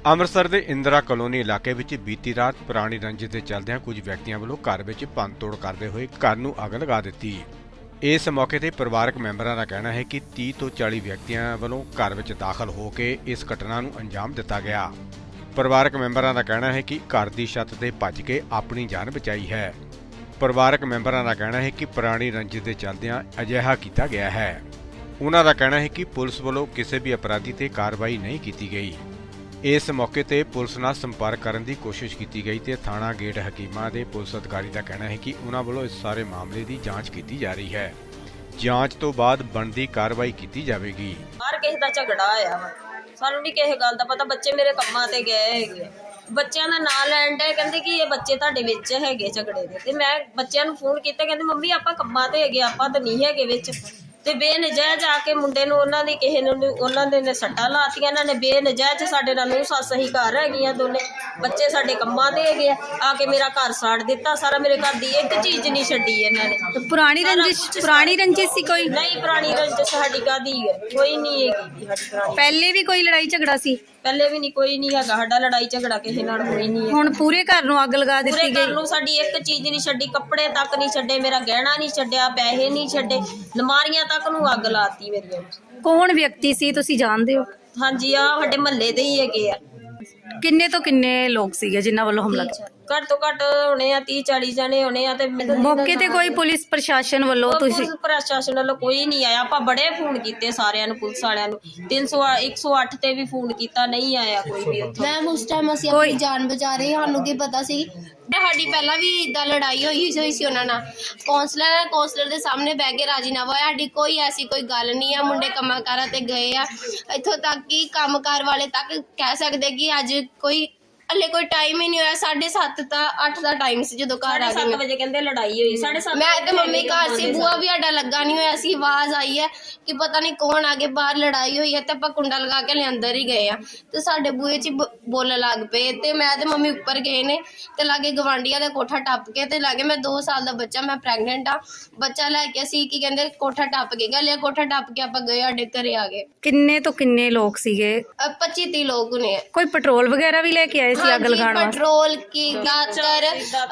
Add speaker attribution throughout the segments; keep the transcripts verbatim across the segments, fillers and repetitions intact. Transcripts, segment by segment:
Speaker 1: ਅੰਮ੍ਰਿਤਸਰ ਦੇ ਇੰਦਰਾ ਕਲੋਨੀ ਇਲਾਕੇ ਵਿੱਚ ਬੀਤੀ ਰਾਤ ਪੁਰਾਣੀ ਰੰਜਿਸ਼ ਦੇ ਚੱਲਦਿਆਂ ਕੁਝ ਵਿਅਕਤੀਆਂ ਵੱਲੋਂ ਘਰ ਵਿੱਚ ਭੰਨਤੋੜ ਕਰਦੇ ਹੋਏ ਘਰ ਨੂੰ ਅੱਗ ਲਗਾ ਦਿੱਤੀ। ਇਸ ਮੌਕੇ ਤੇ ਪਰਿਵਾਰਕ ਮੈਂਬਰਾਂ ਦਾ ਕਹਿਣਾ ਹੈ ਕਿ ਤੀਹ ਤੋਂ ਚਾਲੀ ਵਿਅਕਤੀਆਂ ਵੱਲੋਂ ਘਰ ਵਿੱਚ ਦਾਖਲ ਹੋ ਕੇ ਇਸ ਘਟਨਾ ਨੂੰ ਅੰਜਾਮ ਦਿੱਤਾ ਗਿਆ। ਪਰਿਵਾਰਕ ਮੈਂਬਰਾਂ ਦਾ ਕਹਿਣਾ ਹੈ ਕਿ ਘਰ ਦੀ ਛੱਤ ਤੇ ਭੱਜ ਕੇ ਆਪਣੀ ਜਾਨ ਬਚਾਈ ਹੈ। ਪਰਿਵਾਰਕ ਮੈਂਬਰਾਂ ਦਾ ਕਹਿਣਾ ਹੈ ਕਿ ਪੁਰਾਣੀ ਰੰਜਿਸ਼ ਦੇ ਚੱਲਦਿਆਂ ਅਜਿਹਾ ਕੀਤਾ ਗਿਆ ਹੈ। ਉਹਨਾਂ ਦਾ ਕਹਿਣਾ ਹੈ ਕਿ ਪੁਲਿਸ ਵੱਲੋਂ ਕਿਸੇ ਵੀ ਅਪਰਾਧੀ ਤੇ ਕਾਰਵਾਈ ਨਹੀਂ ਕੀਤੀ ਗਈ। ਇਸ ਮੌਕੇ ਤੇ ਪੁਲਿਸ ਨਾਲ ਸੰਪਰਕ ਕਰਨ ਦੀ ਕੋਸ਼ਿਸ਼ ਕੀਤੀ ਗਈ ਤੇ ਥਾਣਾ ਗੇਟ ਹਕੀਮਾਂ ਦੇ ਪੁਲਿਸ ਅਧਿਕਾਰੀ ਦਾ ਕਹਿਣਾ ਹੈ ਕਿ ਉਹਨਾਂ ਵੱਲੋਂ ਇਸ ਸਾਰੇ ਮਾਮਲੇ ਦੀ ਜਾਂਚ ਕੀਤੀ ਜਾ ਰਹੀ ਹੈ। ਜਾਂਚ ਤੋਂ ਬਾਅਦ ਬਣਦੀ ਕਾਰਵਾਈ ਕੀਤੀ ਜਾਵੇਗੀ।
Speaker 2: ਹਰ ਕਿਸੇ ਦਾ ਝਗੜਾ ਆਇਆ ਵਾ, ਸਾਨੂੰ ਨਹੀਂ ਕਿਸੇ ਗੱਲ ਦਾ ਪਤਾ। ਬੱਚੇ ਮੇਰੇ ਕੰਮਾਂ ਤੇ ਗਏ ਹੈਗੇ, ਬੱਚਿਆਂ ਦਾ ਨਾਂ ਲੈਣ ਦੇ ਕਹਿੰਦੇ ਕਿ ਇਹ ਬੱਚੇ ਤੁਹਾਡੇ ਵਿੱਚ ਹੈਗੇ ਝਗੜੇ ਦੇ। ਤੇ ਮੈਂ ਬੱਚਿਆਂ ਨੂੰ ਫੋਨ ਕੀਤਾ, ਕਹਿੰਦੇ ਮੰਮੀ ਆਪਾਂ ਕੰਮਾਂ ਤੇ ਹੈਗੇ, ਆਪਾਂ ਤਾਂ ਨਹੀਂ ਹੈਗੇ ਵਿੱਚ। ਤੇ ਬੇਨਜਾਇਜ਼ ਆ ਕੇ ਮੁੰਡੇ ਨੂੰ ਉਹਨਾਂ ਦੀ ਕਿਸੇ ਨੂੰ ਉਹਨਾਂ ਦੇ ਨੇ ਸੱਟਾਂ ਲਾਤੀਆਂ। ਇਹਨਾਂ ਨੇ ਬੇਨਜਾਇਜ਼ ਸਾਡੇ ਨਾਲ ਨੂੰ ਸੱਸ ਹੀ ਘਰ ਹੈਗੀਆਂ ਦੋਨੇ, ਬੱਚੇ ਸਾਡੇ ਕੰਮਾਂ ਤੇ ਹੈਗੇ ਆ ਆ ਕੇ ਮੇਰਾ ਘਰ ਸਾੜ ਦਿੱਤਾ ਸਾਰਾ। ਮੇਰੇ ਘਰ ਦੀ ਇੱਕ ਚੀਜ਼ ਨਹੀਂ ਛੱਡੀ ਇਹਨਾਂ ਨੇ।
Speaker 3: ਪੁਰਾਣੀ ਰੰਜਿਸ਼ ਪੁਰਾਣੀ ਰੰਜਿਸ਼ ਸੀ ਕੋਈ?
Speaker 2: ਨਹੀਂ, ਪੁਰਾਣੀ ਰੰਜਿਸ਼ ਸਾਡੀ ਕਾਹਦੀ ਹੈ, ਕੋਈ ਨਹੀਂ ਹੈਗੀ ਸਾਡੀ ਪੁਰਾਣੀ।
Speaker 3: ਪਹਿਲੇ ਵੀ ਕੋਈ ਲੜਾਈ ਝਗੜਾ ਸੀ?
Speaker 2: ਪਹਿਲੇ ਵੀ ਨਹੀਂ, ਕੋਈ ਨਹੀਂ ਹੈਗਾ ਸਾਡਾ ਲੜਾਈ ਝਗੜਾ ਕਿਸੇ ਨਾਲ ਹੋਈ ਨਹੀਂ ਹੈ।
Speaker 3: ਹੁਣ ਪੂਰੇ ਘਰ ਨੂੰ ਅੱਗ ਲਗਾ ਦਿੱਤੀ
Speaker 2: ਪੂਰੇ
Speaker 3: ਗਈ?
Speaker 2: ਘਰ ਨੂੰ ਸਾਡੀ ਇੱਕ ਚੀਜ਼ ਨਹੀਂ ਛੱਡੀ, ਕੱਪੜੇ ਤੱਕ ਨਹੀਂ ਛੱਡੇ, ਮੇਰਾ ਗਹਿਣਾ ਨਹੀਂ ਛੱਡਿਆ, ਪੈਸੇ ਨਹੀਂ ਛੱਡੇ, ਅਲਮਾਰੀਆਂ ਤੱਕ ਨੂੰ ਅੱਗ ਲਾਤੀ ਮੇਰੀਆਂ।
Speaker 3: ਕੌਣ ਵਿਅਕਤੀ ਸੀ, ਤੁਸੀਂ ਜਾਣਦੇ ਹੋ?
Speaker 2: ਹਾਂਜੀ, ਆ ਸਾਡੇ ਮਹੱਲੇ ਦੇ ਹੀ ਹੈਗੇ ਆ।
Speaker 3: ਕਿੰਨੇ ਤੋਂ ਕਿੰਨੇ ਲੋਕ ਸੀਗੇ ਜਿਨ੍ਹਾਂ ਵੱਲੋਂ ਹਮਲਾ ਕੀਤਾ?
Speaker 2: ਘੱਟ ਤੋਂ ਘੱਟ ਹੋਣੇ ਆ ਤੀਹ ਚਾਲੀ ਜਣੇ ਹੋਣੇ ਆ। ਤੇ
Speaker 3: ਮੌਕੇ ਤੇ ਕੋਈ ਪੁਲਿਸ ਪ੍ਰਸ਼ਾਸਨ ਵੱਲੋਂ ਤੁਸੀਂ?
Speaker 2: ਪੁਲਿਸ ਪ੍ਰਸ਼ਾਸਨ ਵੱਲੋਂ ਕੋਈ ਨਹੀਂ ਆਇਆ। ਆਪਾਂ ਬੜੇ ਫੋਨ ਕੀਤੇ ਸਾਰਿਆਂ ਨੂੰ, ਪੁਲਿਸ ਵਾਲਿਆਂ ਨੂੰ, ਤਿੰਨ ਸੌ ਇੱਕ ਸੌ ਅੱਠ ਤੇ ਵੀ ਫੋਨ ਕੀਤਾ, ਨਹੀਂ ਆਇਆ ਕੋਈ ਵੀ ਉੱਥੋਂ।
Speaker 4: ਮੈਮ ਉਸ ਟਾਈਮ ਅਸੀਂ ਆਪਣੀ ਜਾਨ ਬਚਾ ਰਹੇ, ਸਾਨੂੰ ਕੀ ਪਤਾ ਸੀ। ਸਾਡੀ ਪਹਿਲਾਂ ਵੀ ਇਦਾਂ ਲੜਾਈ ਹੋਈ ਹੋਈ ਸੀ ਉਹਨਾਂ ਨਾਲ। ਕੌਂਸਲਰ ਕੌਂਸਲਰ ਦੇ ਸਾਹਮਣੇ ਬਹਿ ਕੇ ਰਾਜੀਨਾਮਾ ਹੋਇਆ। ਸਾਡੀ ਕੋਈ ਐਸੀ ਕੋਈ ਗੱਲ ਨਹੀਂ ਆ। ਮੁੰਡੇ ਕੰਮਾਂ ਕਾਰਾਂ ਤੇ ਗਏ ਆ, ਇੱਥੋਂ ਤੱਕ ਕਿ ਕੰਮਕਾਰ ਵਾਲੇ ਤੱਕ ਕਹਿ ਸਕਦੇ ਕਿ ਅੱਜ ਕੋਈ ਹਲੇ ਕੋਈ ਟਾਈਮ ਹੀ ਨਹੀਂ ਹੋਇਆ। ਸਾਢੇ ਸੱਤ ਤਾਂ ਅੱਠ ਦਾ ਟਾਈਮ ਸੀ ਜਦੋਂ ਘਰ ਆ ਗਏ।
Speaker 2: ਸੱਤ ਵਜੇ ਕਹਿੰਦੇ ਲੜਾਈ ਹੋਈ, ਸਾਢੇ ਸੱਤ
Speaker 4: ਮੈਂ ਤੇ ਮੰਮੀ ਘਰ ਸੀ, ਬੂਆ ਵੀ ਸਾਡਾ ਲੱਗਾ ਨਹੀਂ ਹੋਇਆ ਸੀ। ਆਵਾਜ਼ ਆਈ ਹੈ ਕਿ ਪਤਾ ਨਹੀਂ ਕੌਣ ਆ ਕੇ ਬਾਹਰ ਲੜਾਈ ਹੋਈ ਹੈ, ਤੇ ਆਪਾਂ ਕੁੰਡਾ ਲਗਾ ਕੇ ਲੈ ਅੰਦਰ ਹੀ ਗਏ ਆ। ਤੇ ਸਾਡੇ ਬੂਹੇ 'ਚ ਬੋਲਣ ਲੱਗ ਪਏ ਤੇ ਮੈਂ ਤੇ ਮੰਮੀ ਉੱਪਰ ਗਏ ਨੇ ਤੇ ਲਾਗੇ ਗਵਾਂਢੀਆਂ ਦਾ ਕੋਠਾ ਟੱਪ ਕੇ ਤੇ ਲਾਗੇ ਮੈਂ ਦੋ ਸਾਲ ਦਾ ਬੱਚਾ, ਮੈਂ ਪ੍ਰੈਗਨੈਂਟ ਆ, ਬੱਚਾ ਲੈ ਕੇ ਅਸੀਂ ਕੀ ਕਹਿੰਦੇ ਕੋਠਾ ਟੱਪ ਕੇ ਗਏ, ਕੋਠਾ ਟੱਪ ਕੇ ਆਪਾਂ ਗਏ, ਸਾਡੇ ਘਰੇ ਆ ਗਏ।
Speaker 3: ਕਿੰਨੇ ਤੋਂ ਕਿੰਨੇ ਲੋਕ ਸੀਗੇ?
Speaker 4: ਪੱਚੀ ਤੀਹ ਲੋਕ ਨੇ।
Speaker 3: ਕੋਈ ਪੈਟਰੋਲ ਵਗੈਰਾ ਵੀ ਲੈ ਕੇ ਆਏ ਸੀ ਅੱਗ ਲਗਾਉਣ ਵਾਸਤੇ?
Speaker 4: ਪੈਟਰੋਲ ਕੀ ਦਾਤਰ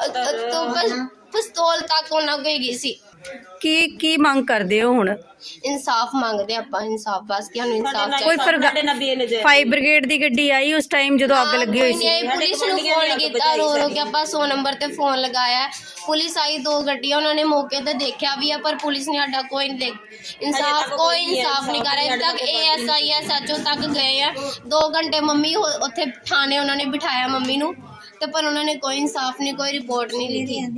Speaker 4: ਤੋਂ ਪਿਸਤੌਲ ਤੱਕ ਉਹਨਾਂ ਕੋਲ ਗਈ ਸੀ।
Speaker 3: ਕੀ ਕੀ ਮੰਗ ਕਰਦੇ ਹੋ ਹੁਣ?
Speaker 4: ਇਨਸਾਫ ਮੰਗਦੇ ਆਪਾਂ, ਇਨਸਾਫ ਬਸ ਕਿ ਸਾਨੂੰ ਇਨਸਾਫ
Speaker 3: ਕੋਈ
Speaker 4: ਚਾਹੀਦਾ।
Speaker 3: ਫਾਇਰ ਬ੍ਰਿਗੇਡ ਦੀ ਗੱਡੀ ਆਈ ਉਸ ਟਾਈਮ ਜਦੋਂ ਅੱਗ ਲੱਗੀ ਹੋਈ ਸੀ?
Speaker 4: ਪੁਲਿਸ ਨੂੰ ਫੋਨ ਕੀਤਾ, ਰੋ ਰੋ ਕੇ ਆਪਾਂ ਸੌ ਨੰਬਰ ਤੇ ਫੋਨ ਲਗਾਇਆ। ਪੁਲਿਸ ਆਈ, ਦੋ ਗੱਡੀਆਂ, ਉਹਨਾਂ ਨੇ ਮੌਕੇ ਤੇ ਦੇਖਿਆ ਵੀ ਆ, ਪਰ ਪੁਲਿਸ ਨੇ ਸਾਡਾ ਕੋਈ ਨਹੀਂ ਦੇਖ ਇਨਸਾਫ ਕੋਈ ਇਨਸਾਫ ਨਹੀਂ ਕਰ ਰਿਹਾ। ਤੱਕ A S I S H O ਤੱਕ ਗਏ ਆ, ਦੋ ਘੰਟੇ ਮੰਮੀ ਉੱਥੇ ਥਾਣੇ ਉਹਨਾਂ ਨੇ ਬਿਠਾਇਆ ਮੰਮੀ ਨੂੰ, ਤੇ ਪਰ ਉਹਨਾਂ ਨੇ ਕੋਈ ਇਨਸਾਫ ਨਹੀਂ, ਕੋਈ ਰਿਪੋਰਟ ਨਹੀਂ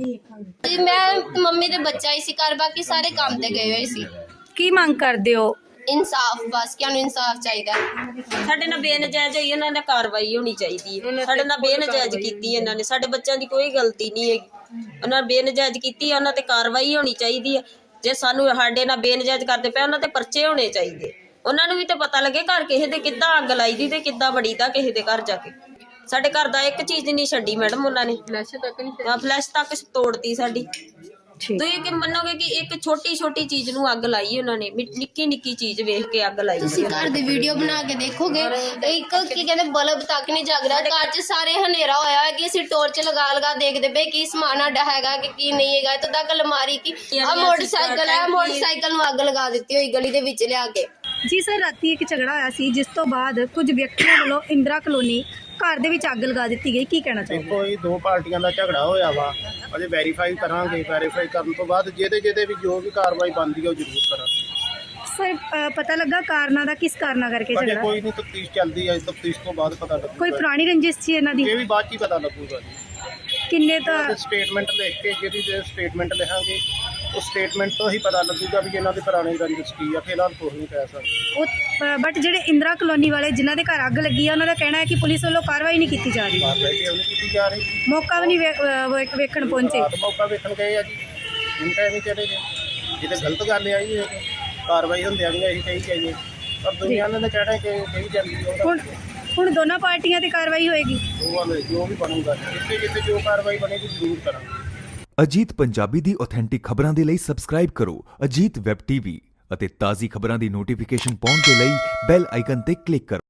Speaker 4: ਲਿਖੀ। ਮੈਂ ਮੰਮੀ ਤੇ ਬੱਚਾ ਹੀ ਸੀ ਘਰ, ਬਾਕੀ ਸਾਰੇ ਕੰਮ ਤੇ ਗਏ ਹੋਏ ਸੀ।
Speaker 3: ਕੀ ਮੰਗ ਕਰਦੇ ਹੋ?
Speaker 4: ਇਨਸਾਫ ਬਸ, ਕਿ ਸਾਨੂੰ ਇਨਸਾਫ ਚਾਹੀਦਾ।
Speaker 2: ਸਾਡੇ ਨਾਲ ਬੇਨਜਾਇਜ਼ ਹੋਈ, ਇਹਨਾਂ ਨੇ ਕਾਰਵਾਈ ਹੋਣੀ ਚਾਹੀਦੀ ਹੈ। ਸਾਡੇ ਨਾਲ ਬੇਨਜਾਇਜ਼ ਕੀਤੀ ਇਹਨਾਂ ਨੇ, ਸਾਡੇ ਬੱਚਿਆਂ ਦੀ ਕੋਈ ਗਲਤੀ ਨਹੀਂ ਹੈਗੀ। ਉਹਨਾਂ ਨੇ ਬੇਨਜਾਇਜ਼ ਕੀਤੀ, ਉਹਨਾਂ ਤੇ ਕਾਰਵਾਈ ਹੋਣੀ ਚਾਹੀਦੀ ਹੈ। ਜੇ ਸਾਨੂੰ ਸਾਡੇ ਨਾਲ ਬੇਨਜਾਇਜ਼ ਕਰਦੇ ਪਏ, ਉਹਨਾਂ ਤੇ ਪਰਚੇ ਹੋਣੇ ਚਾਹੀਦੇ। ਉਹਨਾਂ ਨੂੰ ਵੀ ਤਾਂ ਪਤਾ ਲੱਗੇ ਘਰ ਕਿਸੇ ਦੇ ਕਿੱਦਾਂ ਅੱਗ ਲਾਈ ਦੀ ਤੇ ਕਿੱਦਾਂ ਬੜੀ ਦਾ ਕਿਸੇ ਦੇ ਘਰ ਜਾ ਕੇ। ਸਾਡੇ ਘਰ ਦਾ ਇੱਕ ਚੀਜ਼ ਨਹੀਂ ਛੱਡੀ ਮੈਡਮ ਉਹਨਾਂ ਨੇ, ਫਲੈਸ਼ ਤੱਕ ਨਹੀਂ, ਫਲੈਸ਼ ਤੱਕ ਤੋੜਤੀ ਸਾਡੀ। ਤੁਸੀਂ ਕਿ ਮੰਨੋਗੇ ਕਿ ਇੱਕ ਛੋਟੀ ਛੋਟੀ ਚੀਜ਼ ਨੂੰ ਅੱਗ ਲਾਈ ਉਹਨਾਂ ਨੇ, ਨਿੱਕੀ ਨਿੱਕੀ ਚੀਜ਼ ਵੇਖ ਕੇ ਅੱਗ ਲਾਈ।
Speaker 4: ਤੁਸੀਂ ਘਰ ਦੀ ਵੀਡੀਓ ਬਣਾ ਕੇ ਦੇਖੋਗੇ, ਇੱਕ ਕੀ ਕਹਿੰਦੇ ਬਲਬ ਤੱਕ ਨਹੀਂ ਜਗ ਰਿਹਾ ਘਰ 'ਚ, ਸਾਰੇ ਹਨੇਰਾ ਹੋਇਆ ਹੈ ਕਿ ਅਸੀਂ ਟੋਰਚ ਲਗਾ ਲਗਾ ਦੇਖਦੇ ਪਏ ਕੀ ਸਮਾਨ ਸਾਡਾ ਹੈਗਾ ਕਿ ਕੀ ਨਹੀਂ ਹੈਗਾ। ਇੱਥੋਂ ਤੱਕ ਅਲਮਾਰੀ ਕੀ ਆ ਮੋਟਰਸਾਈਕਲ ਹੈ, ਮੋਟਰਸਾਈਕਲ ਨੂੰ ਅੱਗ ਲਗਾ ਦਿੱਤੀ ਹੋਈ ਗਲੀ ਦੇ ਵਿੱਚ ਲਿਆ ਕੇ।
Speaker 3: ਜੀ ਸਰ, ਰਾਤੀ ਇੱਕ ਝਗੜਾ ਹੋਇਆ ਸੀ ਜਿਸ ਤੋਂ ਬਾਅਦ ਕੁਝ ਵਿਅਕਤੀਆਂ ਵੱਲੋਂ ਇੰਦਰਾ ਕਲੋਨੀ ਘਰ ਦੇ ਵਿੱਚ ਅੱਗ ਲਗਾ ਦਿੱਤੀ ਗਈ, ਕੀ ਕਹਿਣਾ ਚਾਹੀਦਾ?
Speaker 5: ਕੋਈ ਦੋ ਪਾਰਟੀਆਂ ਦਾ ਝਗੜਾ ਹੋਇਆ ਵਾ, ਅਜੇ ਵੈਰੀਫਾਈ ਕਰਾਂਗੇ। ਵੈਰੀਫਾਈ ਕਰਨ ਤੋਂ ਬਾਅਦ ਜਿਹਦੇ ਜਿਹਦੇ ਵੀ ਜੋ ਵੀ ਕਾਰਵਾਈ ਬਣਦੀ ਹੈ ਉਹ ਜ਼ਰੂਰ ਕਰਾਂਗੇ।
Speaker 3: ਸਰ, ਪਤਾ ਲੱਗਾ ਕਾਰਨਾਂ ਦਾ, ਕਿਸ ਕਾਰਨਾਂ ਕਰਕੇ ਝਗੜਾ?
Speaker 5: ਕੋਈ ਨਹੀਂ, ਤਫਤੀਸ਼ ਚੱਲਦੀ ਹੈ, ਤਫਤੀਸ਼ ਤੋਂ ਬਾਅਦ ਪਤਾ ਲੱਗੂਗਾ।
Speaker 3: ਕੋਈ ਪੁਰਾਣੀ ਰੰਜਿਸ਼ ਸੀ ਇਹਨਾਂ ਦੀ?
Speaker 5: ਇਹ ਵੀ ਬਾਅਦ 'ਚ ਹੀ ਪਤਾ ਲੱਗੂਗਾ ਜੀ।
Speaker 3: ਕਿੰਨੇ ਤਾਂ
Speaker 5: ਸਟੇਟਮੈਂਟ ਲਿਖ ਕੇ, ਜਿਹੜੀ ਜੇ ਸਟੇਟਮੈਂਟ ਲਿਖਾਂਗੇ ਉਹ ਸਟੇਟਮੈਂਟ ਤੋਂ ਹੀ ਪਤਾ ਲੱਗੂਗਾ ਵੀ ਇਹਨਾਂ ਦੀ ਪੁਰਾਣੀ ਰੰਜਿਸ਼ ਕੀ ਆ। ਫਿਲਹਾਲ ਕੁਛ ਨਹੀਂ ਕਹਿ ਸਕਦੇ।
Speaker 3: ਉਹ ਬਟ ਜਿਹੜੇ ਇੰਦਰਾ ਕਲੋਨੀ ਵਾਲੇ ਜਿਨ੍ਹਾਂ ਦੇ ਘਰ ਅੱਗ ਲੱਗੀ ਆ, ਉਹਨਾਂ ਦਾ ਕਹਿਣਾ ਹੈ ਕਿ ਪੁਲਿਸ ਵੱਲੋਂ ਕਾਰਵਾਈ ਨਹੀਂ ਕੀਤੀ ਜਾ ਰਹੀ,
Speaker 5: ਕਾਰਵਾਈ ਕਿਉਂ ਨਹੀਂ ਕੀਤੀ ਜਾ ਰਹੀ?
Speaker 3: ਮੌਕਾ ਵੀ ਨਹੀਂ ਵੇਖਣ ਪਹੁੰਚੇ।
Speaker 5: ਮੌਕਾ ਵੇਖਣ ਗਏ ਆ ਜੀ, ਇਨ ਟਾਈਮ ਹੀ ਚਲੇ ਗਏ। ਇਹ ਤਾਂ ਗਲਤ ਗੱਲ ਆ ਜੀ, ਕਾਰਵਾਈ ਹੁੰਦਿਆਂ ਵੀ ਅਸੀਂ ਕਹੀ ਜਾਈਏ, ਪਰ ਦੁਨੀਆ ਨੇ ਤਾਂ ਕਹਿਣਾ ਕਿ ਕਹੀ ਜਾਂਦੀ
Speaker 3: ਹੁਣ ਹੁਣ ਦੋਨਾਂ ਪਾਰਟੀਆਂ ਤੇ ਕਾਰਵਾਈ ਹੋਏਗੀ।
Speaker 5: ਉਹ ਜੋ ਵੀ ਬਣੂਗਾ, ਜਿੱਥੇ ਜਿੱਥੇ ਜੋ ਕਾਰਵਾਈ ਬਣੇਗੀ ਜ਼ਰੂਰ ਕਰਾਂਗੇ।
Speaker 6: ਅਜੀਤ ਪੰਜਾਬੀ ਦੀ ਆਥੈਂਟਿਕ ਖਬਰਾਂ ਦੇ ਲਈ ਸਬਸਕ੍ਰਾਈਬ ਕਰੋ ਅਜੀਤ ਵੈਬ ਟੀਵੀ ਅਤੇ ਤਾਜ਼ੀ ਖਬਰਾਂ ਦੀ ਨੋਟੀਫਿਕੇਸ਼ਨ ਪਾਉਣ ਦੇ ਲਈ ਬੈਲ ਆਈਕਨ ਤੇ ਕਲਿੱਕ ਕਰੋ।